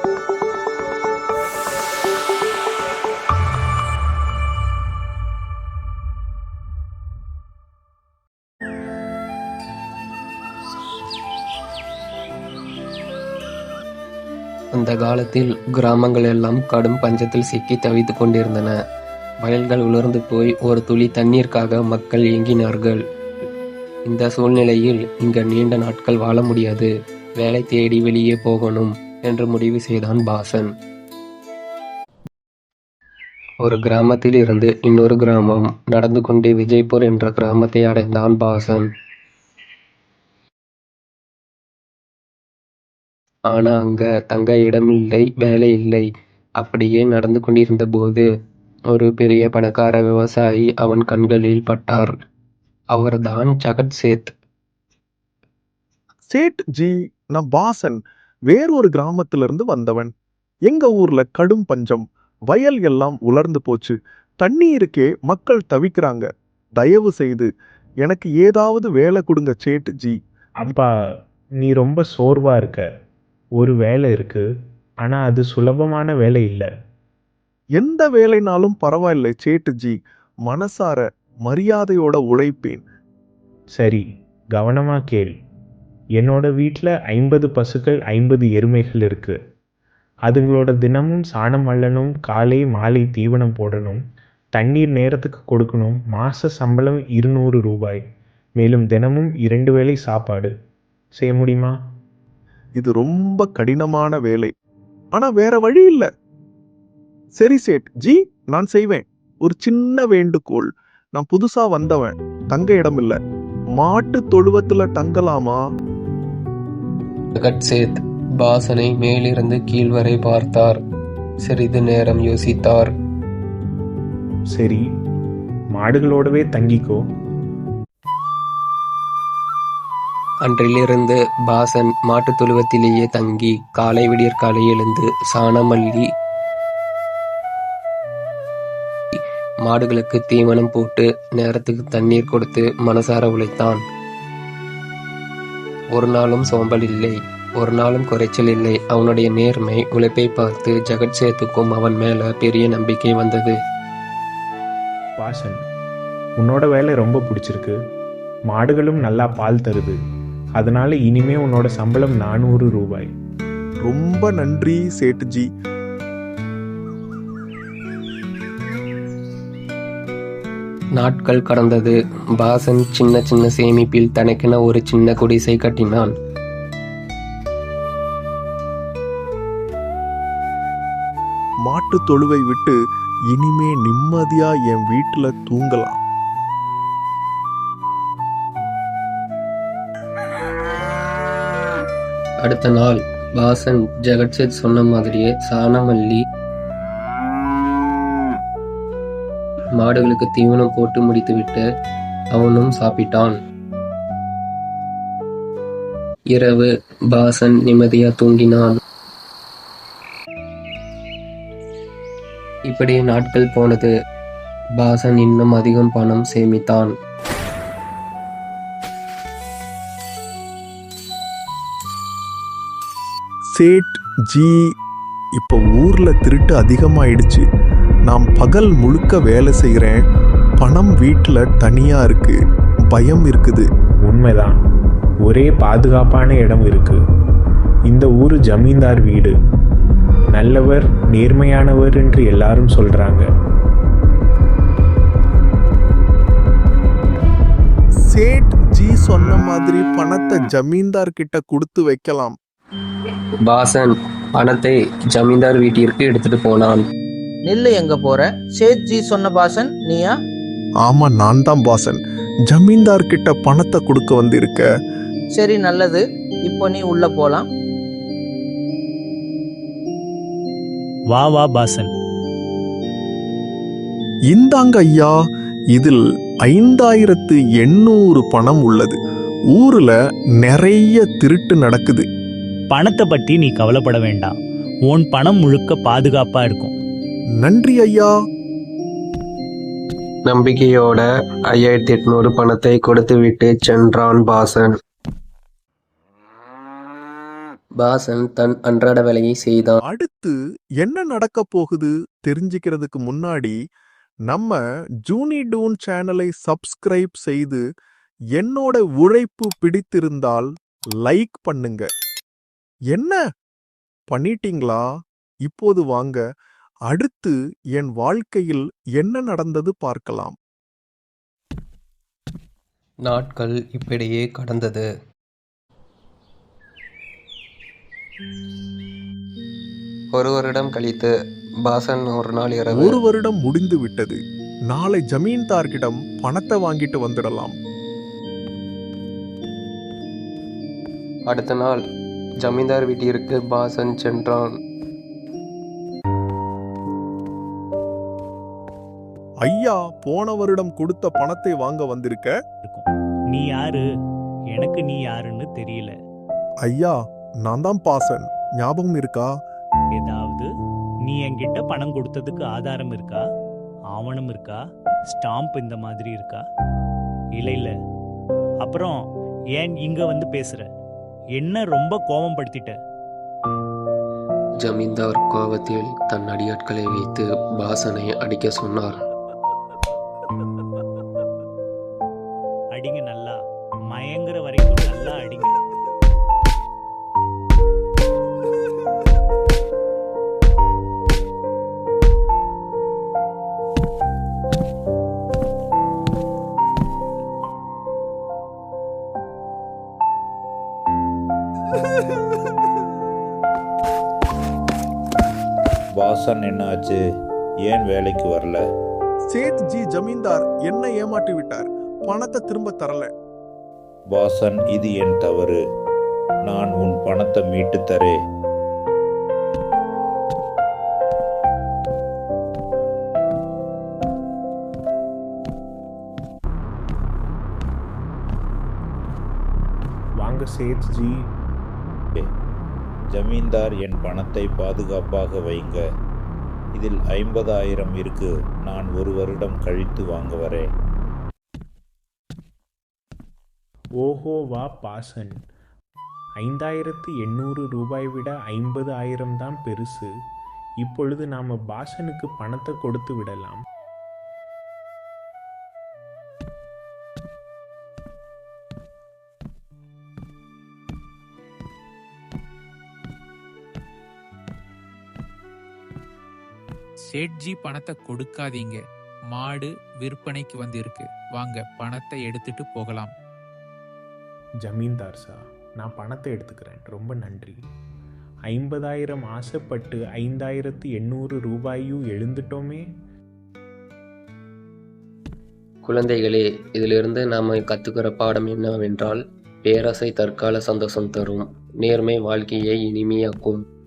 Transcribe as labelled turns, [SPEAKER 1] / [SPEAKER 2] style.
[SPEAKER 1] அந்த காலத்தில் கிராமங்கள் எல்லாம் கடும் பஞ்சத்தில் சிக்கி தவித்துக் கொண்டிருந்தன. வயல்கள் உலர்ந்து போய் ஒரு துளி தண்ணீருக்காக மக்கள் ஏங்கினார்கள். இந்த சூழ்நிலையில் இங்க நீண்ட நாட்கள் வாழ முடியாது, வேலை தேடி வெளியே போகணும் என்று முடிவு செய்தான் பாசன். ஒரு கிராமத்தில் இருந்து இன்னொரு கிராமம் நடந்து கொண்டே விஜய்பூர் என்ற கிராமத்தை அடைந்தான் பாசன். ஆனா அங்க தங்க இடமில்லை, வேலை இல்லை. அப்படியே நடந்து கொண்டிருந்த போது ஒரு பெரிய பணக்கார விவசாயி அவன் கண்களில் பட்டார். அவர்தான் ஜகத் சேத்.
[SPEAKER 2] சேட் ஜி, நான் பாசன். வேறொரு கிராமத்துல இருந்து வந்தவன். எங்க ஊர்ல கடும் பஞ்சம், வயல் எல்லாம் உலர்ந்து போச்சு, தண்ணீருக்கே மக்கள் தவிக்கிறாங்க. தயவு செய்து எனக்கு ஏதாவது வேலை கொடுங்க சேட் ஜி.
[SPEAKER 3] அப்பா, நீ ரொம்ப சோர்வா இருக்க. ஒரு வேலை இருக்கு, ஆனா அது சுலபமான வேலை இல்லை.
[SPEAKER 2] எந்த வேலைனாலும் பரவாயில்லை சேட் ஜி, மனசார மரியாதையோட உழைப்பேன்.
[SPEAKER 3] சரி, கவனமா கேள். என்னோட வீட்டில் 50 பசுக்கள், 50 எருமைகள் இருக்கு. அதுங்களோட தினமும் சாணம் அள்ளணும், காலை மாலை தீவனம் போடணும், தண்ணீர் நேரத்துக்கு கொடுக்கணும். மாச சம்பளம் 200 ரூபாய். மேலும் தினமும் 2 வேளை சாப்பாடு. செய்ய முடியுமா?
[SPEAKER 2] இது ரொம்ப கடினமான வேலை, ஆனா வேற வழி இல்ல. சரி சேட் ஜி, நான் செய்வேன். ஒரு சின்ன வேண்டுகோள். நான் புதுசா வந்தவன், தங்க இடம் இல்ல. மாட்டு தொழுவத்துல தங்கலாமா?
[SPEAKER 1] ஜகத் சேத் பாசனை மேலிருந்து கீழ் வரை பார்த்தார். சிறிது நேரம் யோசித்தார்.
[SPEAKER 3] சரி, மாடுகளோடவே தங்கிக்கோ.
[SPEAKER 1] அன்றிலிருந்து பாசன் மாட்டுத் தொழுவத்திலேயே தங்கி காலை விடியற்காலை எழுந்து சாணம் அள்ளி மாடுகளுக்கு தீவனம் போட்டு நேரத்துக்கு தண்ணீர் கொடுத்து மனசார உழைத்தான். ஒரு நாளும் சோம்பல் இல்லை, ஒரு நாளும் குறைச்சல் இல்லை. அவனுடைய நேர்மை உழைப்பை பார்த்து ஜகத் சேத்துக்கும் அவன் மேல பெரிய நம்பிக்கை வந்தது.
[SPEAKER 3] வாசன், உன்னோட வேலை ரொம்ப பிடிச்சிருக்கு. மாடுகளும் நல்லா பால் தருது. அதனால இனிமே உன்னோட சம்பளம் 400 ரூபாய்.
[SPEAKER 2] ரொம்ப நன்றி சேட் ஜி.
[SPEAKER 1] நாட்கள் கடந்தது. பாசன் சின்ன சின்ன சேமிப்பில் தனக்கென ஒரு சின்ன குடிசை கட்டினான்.
[SPEAKER 2] மாட்டு தொழுவை விட்டு இனிமே நிம்மதியா என் வீட்டுல தூங்கலாம்.
[SPEAKER 1] அடுத்த நாள் பாசன் ஜெகத்சேத் சொன்ன மாதிரியே சாணம் அள்ளி மாடுகளுக்கு தீவனம் போட்டு முடித்துவிட்டு அவனும் சாப்பிட்டான். இரவு பாசன் நிம்மதியா தூங்கினான். இப்படியே நாட்கள் போனது. பாசன் இன்னும் அதிகம் பணம் சேமித்தான்.
[SPEAKER 2] சேட் ஜி, இப்போ ஊர்ல திருட்டு அதிகமாயிடுச்சு. நான் பகல் முழுக்க வேலை செய்கிறேன், பணம் வீட்டுல தனியா இருக்கு, பயம் இருக்குது.
[SPEAKER 3] உண்மைதான், ஒரே பாதுகாப்பான இடம் இருக்கு. இந்த ஊர் ஜமீன்தார் வீடு. நல்லவர், நேர்மையானவர் என்று எல்லாரும் சொல்றாங்க.
[SPEAKER 2] சேட் ஜி சொன்ன மாதிரி பணத்தை ஜமீன்தார் கிட்ட கொடுத்து வைக்கலாம்.
[SPEAKER 1] பாசன் பணத்தை ஜமீன்தார் வீட்டிற்கு எடுத்துட்டு போனான்.
[SPEAKER 4] நெல்லு, எங்க போற? சேத் ஜி சொன்ன பாசன் நீயா?
[SPEAKER 2] ஆமா, நான் தான் பாசன். ஜமீன்தார் கிட்ட பணத்தை கொடுக்க வந்திருக்க.
[SPEAKER 4] சரி, நல்லது. இப்போ நீ உள்ள போலாம்.
[SPEAKER 5] வா வா பாசன்.
[SPEAKER 2] இந்தாங்க ஐயா, இதில் 5800 பணம் உள்ளது. ஊர்ல நிறைய திருட்டு நடக்குது.
[SPEAKER 5] பணத்தை பற்றி நீ கவலைப்பட வேண்டாம். உன் பணம் முழுக்க பாதுகாப்பா இருக்கும்.
[SPEAKER 2] நன்றி ஐயா.
[SPEAKER 1] நம்பிக்கையோட 5800 பணத்தை கொடுத்துவிட்டு சென்றான் பாசன். பாசன் தன் அன்றாட வேலையை செய்தான்.
[SPEAKER 2] அடுத்து என்ன நடக்க போகுது தெரிஞ்சுக்கிறதுக்கு முன்னாடி நம்ம ஜூனி டூன் சேனலை சப்ஸ்கிரைப் செய்து என்னோட உழைப்பு பிடித்திருந்தால் லைக் பண்ணுங்க. என்ன பண்ணிட்டீங்களா? இப்போது வாங்க அடுத்து என் வாழ்க்கையில் என்ன நடந்தது பார்க்கலாம்.
[SPEAKER 1] நாட்கள் இப்படியே கடந்தது. ஒரு வருடம் கழித்து பாசன் ஒரு நாள் இரவு
[SPEAKER 2] ஒரு வருடம் முடிந்து விட்டது. நாளை ஜமீன்தார்கிடம் பணத்தை வாங்கிட்டு வந்துடலாம்.
[SPEAKER 1] அடுத்த நாள் ஜமீன்தார் வீட்டிற்கு பாசன் சென்றான்.
[SPEAKER 2] ஐயா, போன வருடம் கொடுத்த பணத்தை வாங்க வந்திருக்க.
[SPEAKER 5] இருக்கும். நீ யாரு? எனக்கு நீ யாருன்னு தெரியல.
[SPEAKER 2] ஐயா, நான் தான் பாசன், ஞாபகம் இருக்கா?
[SPEAKER 5] ஏதாவது நீ என்கிட்ட பணம் கொடுத்ததுக்கு ஆதாரம் இருக்கா? ஆவணம் இருக்கா? ஸ்டாம்ப் இந்த மாதிரி இருக்கா? இல்ல. அப்புறம் ஏன் இங்க வந்து பேசுற? என்ன ரொம்ப கோபப்படுத்திட்ட?
[SPEAKER 1] ஜமீன்தார் கோபத்தில் தன் அடியாட்களை வைத்து பாசனை அடிக்க சொன்னார்.
[SPEAKER 5] அடிங்க நல்லா, மயங்குற வரைக்கும் நல்லா அடிங்க.
[SPEAKER 6] பாசன் என்ன ஆச்சு? ஏன் வேலைக்கு வரல?
[SPEAKER 2] சேத் ஜி ஜமீன்தார் என்ன ஏமாற்றி விட்டார். பணத்தை திரும்ப தரல.
[SPEAKER 6] பாசன், இது என் தவறு. நான் உன் பணத்தை மீட்டு தரேன்.
[SPEAKER 3] வாங்க சேத்ஜி.
[SPEAKER 6] ஜமீன்தார், என் பணத்தை பாதுகாப்பாக வைங்க. இதில் 50,000 இருக்கு. நான் ஒரு வருடம் கழித்து வாங்க வரேன்.
[SPEAKER 3] ஓஹோ, வா பாசன். 5,800 ரூபாய் விட 50,000 தான் பெருசு. இப்பொழுது நாம பாசனுக்கு பணத்தை கொடுத்து விடலாம்.
[SPEAKER 7] சேட்ஜி பணத்தை கொடுக்காதீங்க. மாடு விற்பனைக்கு வந்திருக்கு. வாங்க பணத்தை எடுத்துட்டு போகலாம்.
[SPEAKER 3] ஜமீன்தார் சார், நான் பணத்தை எடுத்துக்கிறேன். ரொம்ப நன்றி. 50,000 ஆசைப்பட்டு 5,800 ரூபாயும் எழுந்துட்டோமே.
[SPEAKER 1] குழந்தைகளே, இதிலிருந்து நாம் கற்றுக்கிற பாடம் என்னவென்றால், பேராசை தற்கால சந்தோஷம் தரும், நேர்மை வாழ்க்கையை இனிமையாக்கும்.